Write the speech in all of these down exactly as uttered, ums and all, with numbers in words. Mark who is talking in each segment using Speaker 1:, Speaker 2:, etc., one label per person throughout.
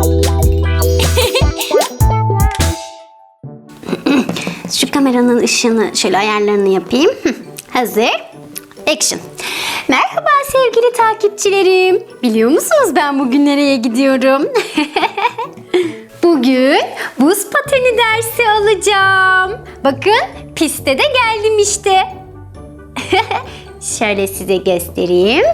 Speaker 1: Şu kameranın ışığını şöyle ayarlarını yapayım. Hazır. Action. Merhaba sevgili takipçilerim. Biliyor musunuz ben bugün nereye gidiyorum? Bugün buz pateni dersi alacağım. Bakın piste de geldim işte. Şöyle size göstereyim.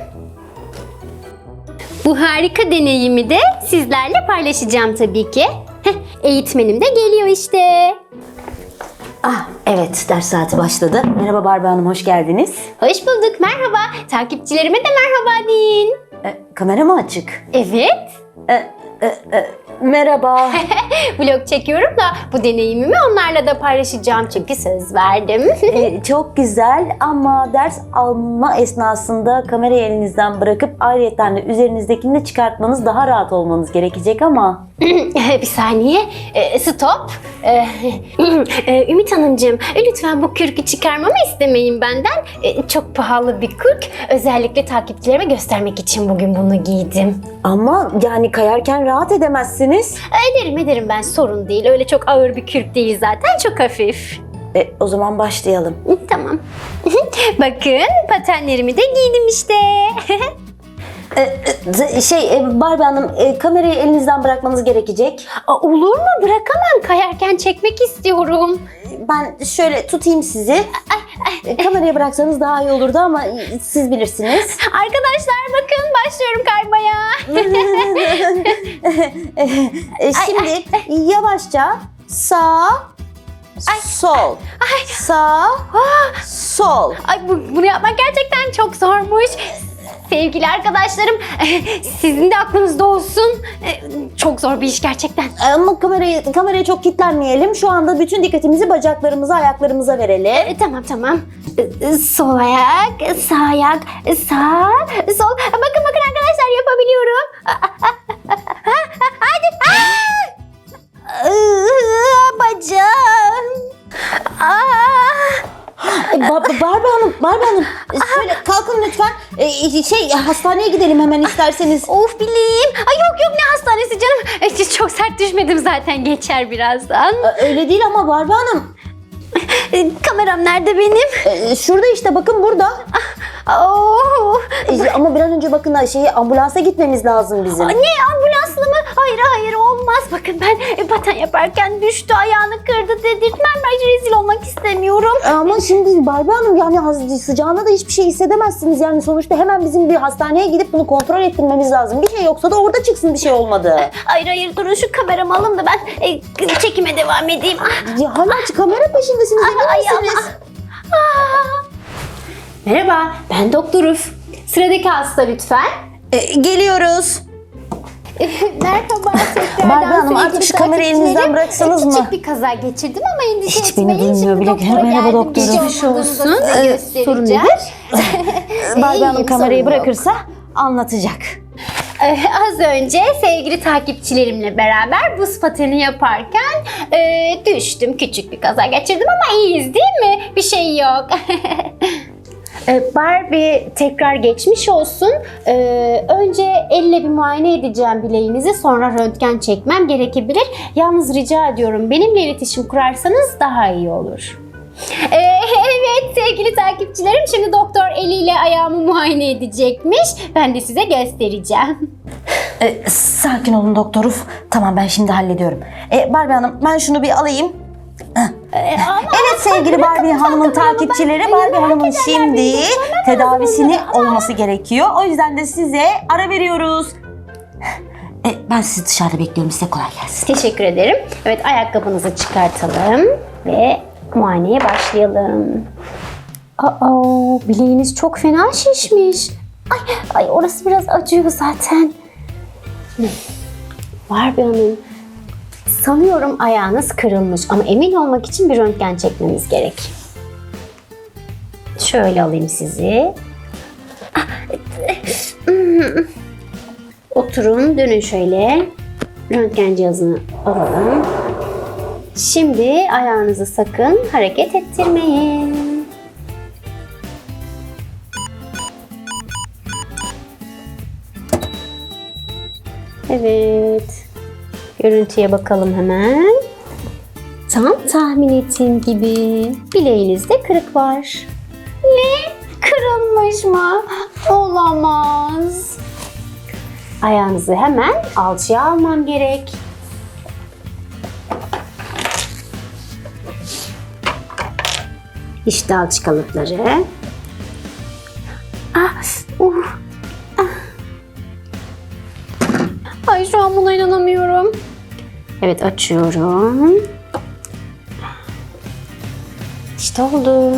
Speaker 1: Bu harika deneyimi de sizlerle paylaşacağım tabii ki. Eğitmenim de geliyor işte.
Speaker 2: Ah evet, ders saati başladı. Merhaba Barbie Hanım, hoş geldiniz.
Speaker 1: Hoş bulduk, merhaba. Takipçilerime de merhaba deyin.
Speaker 2: E, kamera mı açık?
Speaker 1: Evet.
Speaker 2: E, e, e, merhaba.
Speaker 1: Vlog çekiyorum da bu deneyimimi onlarla da paylaşacağım çünkü söz verdim.
Speaker 2: e, çok güzel ama ders alma esnasında kamerayı elinizden bırakıp ayrıyeten de üzerinizdekini de çıkartmanız, daha rahat olmanız gerekecek ama...
Speaker 1: Bir saniye. E, stop. E, e, Ümit Hanımcığım, lütfen bu kürkü çıkarmamı istemeyin benden. E, çok pahalı bir kürk. Özellikle takipçilerime göstermek için bugün bunu giydim.
Speaker 2: Ama yani kayarken rahat edemezsiniz.
Speaker 1: Ederim ederim ben, sorun değil. Öyle çok ağır bir kürk değil zaten, çok hafif.
Speaker 2: E, o zaman başlayalım.
Speaker 1: Tamam. Bakın patenlerimi de giydim işte.
Speaker 2: E, şey e, Barbie Hanım, e, kamerayı elinizden bırakmanız gerekecek.
Speaker 1: Aa, olur mu? Bırakamam. Kayarken çekmek istiyorum.
Speaker 2: Ben şöyle tutayım sizi. E, kamerayı bıraksanız daha iyi olurdu ama siz bilirsiniz.
Speaker 1: Arkadaşlar bakın, başlıyorum kaymaya.
Speaker 2: e, şimdi yavaşça sağ, sol, sağ, sol.
Speaker 1: Ay, bu, bunu yapmak gerçekten çok zormuş. Sevgili arkadaşlarım, sizin de aklınızda olsun. Çok zor bir iş gerçekten.
Speaker 2: Ama kamerayı, kameraya çok kilitlenmeyelim. Şu anda bütün dikkatimizi bacaklarımıza, ayaklarımıza verelim.
Speaker 1: E, tamam tamam. E, Sol ayak, sağ ayak, sağ, sol. Bakın bakın arkadaşlar, yapabiliyorum. Hadi. Aa, bacağım. Aa.
Speaker 2: Ba- Barbie Hanım, Barbie Hanım, şöyle kalkın lütfen. Ee, şey hastaneye gidelim hemen isterseniz.
Speaker 1: Of bileğim. Ay yok yok, ne hastanesi canım. E, Çok sert düşmedim zaten, geçer birazdan.
Speaker 2: Ee, Öyle değil ama Barbie Hanım.
Speaker 1: E, Kameram nerede benim?
Speaker 2: Ee, şurada işte, bakın burada.
Speaker 1: Oh.
Speaker 2: Ee, ama bir an önce bakın, şeyi ambulansa gitmemiz lazım bizim.
Speaker 1: Ne, ambulanslı mı? Hayır hayır, olmaz. Bakın ben e, paten yaparken düştü, ayağını kırdı dedirtmem. Ben rezil olmak istemiyorum.
Speaker 2: Ama şimdi Barbie Hanım, yani az- sıcağına da hiçbir şey hissedemezsiniz. Yani sonuçta hemen bizim bir hastaneye gidip bunu kontrol ettirmemiz lazım. Bir şey yoksa da orada çıksın bir şey olmadı.
Speaker 1: Hayır hayır, durun şu kameramı alın da ben e, çekime devam edeyim. Ah.
Speaker 2: Ya hala kamera peşindesiniz, emin
Speaker 1: Ay,
Speaker 2: misiniz?
Speaker 1: Ah. Merhaba, ben Doktor Uf. Sıradaki hasta lütfen.
Speaker 2: Ee, geliyoruz.
Speaker 1: Merhaba tekrardan.
Speaker 2: Barbie Hanım,
Speaker 1: sevgili
Speaker 2: artık şu kamerayı elinizden
Speaker 1: takipçilerim.
Speaker 2: bıraksanız
Speaker 1: Küçük
Speaker 2: mı?
Speaker 1: bir kaza geçirdim ama endişe
Speaker 2: Hiç beni
Speaker 1: etmeyin.
Speaker 2: duymuyor
Speaker 1: Şimdi
Speaker 2: bile.
Speaker 1: doktora
Speaker 2: Merhaba
Speaker 1: geldim.
Speaker 2: doktorum.
Speaker 1: Geçmiş
Speaker 2: Geçmiş
Speaker 1: olsun.
Speaker 2: olsun.
Speaker 1: Size
Speaker 2: Ee,
Speaker 1: göstereceğim.
Speaker 2: sorun nedir? Barbie Hanım
Speaker 1: İyiyim,
Speaker 2: kamerayı
Speaker 1: sorun yok.
Speaker 2: bırakırsa anlatacak.
Speaker 1: Ee, az önce sevgili takipçilerimle beraber buz pateni yaparken e, düştüm. Küçük bir kaza geçirdim ama iyiyiz değil mi? Bir şey yok. Ee, Barbie, tekrar geçmiş olsun. Ee, önce elle bir muayene edeceğim bileğinizi, sonra röntgen çekmem gerekebilir. Yalnız rica ediyorum, benimle iletişim kurarsanız daha iyi olur. Ee, evet sevgili takipçilerim, şimdi doktor eliyle ayağımı muayene edecekmiş. Ben de size göstereceğim.
Speaker 2: Ee, sakin olun doktor. Tamam, ben şimdi hallediyorum. Ee, Barbie Hanım, ben şunu bir alayım.
Speaker 1: Ee, ama
Speaker 2: Evet sevgili Barbie Hanım'ın takipçileri, Barbie Hanım'ın şimdi tedavisini olması gerekiyor. O yüzden de size ara veriyoruz. Ee, ben sizi dışarıda bekliyorum. Size kolay gelsin.
Speaker 1: teşekkür ederim. Evet, ayakkabınızı çıkartalım ve muayeneye başlayalım. Aa, bileğiniz çok fena şişmiş. Ay, ay orası biraz acıyor zaten. Barbie Hanım, sanıyorum ayağınız kırılmış ama emin olmak için bir röntgen çekmemiz gerek. Şöyle alayım sizi. Oturun, dönün şöyle. Röntgen cihazını alalım. Şimdi ayağınızı sakın hareket ettirmeyin. Evet. Görüntüye bakalım hemen. Tam tahmin ettiğim gibi bileğinizde kırık var. Ne? Kırılmış mı? Olamaz. Ayağınızı hemen alçıya almam gerek. İşte alçı kalıpları. Ah, uh, ah. Ay şu an buna inanamıyorum. Evet, açıyorum. İşte oldu.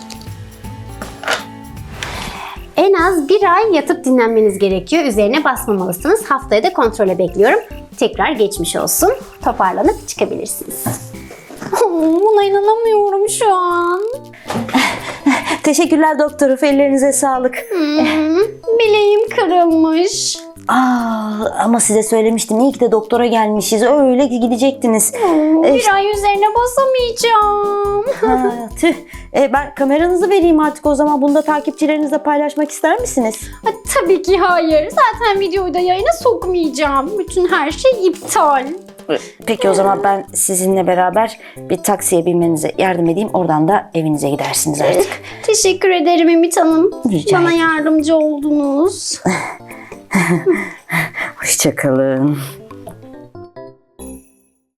Speaker 1: En az bir ay yatıp dinlenmeniz gerekiyor. Üzerine basmamalısınız. Haftaya da kontrole bekliyorum. Tekrar geçmiş olsun. Toparlanıp çıkabilirsiniz. Buna inanamıyorum şu an.
Speaker 2: Teşekkürler doktor. Ellerinize sağlık.
Speaker 1: Hmm, bileğim kırılmış.
Speaker 2: Aa, ama size söylemiştim. İyi ki de doktora gelmişiz. Öyle gidecektiniz.
Speaker 1: Hmm,
Speaker 2: Ee,
Speaker 1: bir ay üzerine basamayacağım.
Speaker 2: ha, tüh. Ee, ben kameranızı vereyim artık o zaman. Bunu da takipçilerinizle paylaşmak ister misiniz?
Speaker 1: Ha, tabii ki hayır. Zaten videoyu da yayına sokmayacağım. Bütün her şey iptal.
Speaker 2: Peki o zaman ben sizinle beraber bir taksiye binmenize yardım edeyim. Oradan da evinize gidersiniz artık.
Speaker 1: Teşekkür ederim Ümit Hanım.
Speaker 2: Rica
Speaker 1: Bana
Speaker 2: ederim.
Speaker 1: yardımcı oldunuz.
Speaker 2: Hoşça kalın.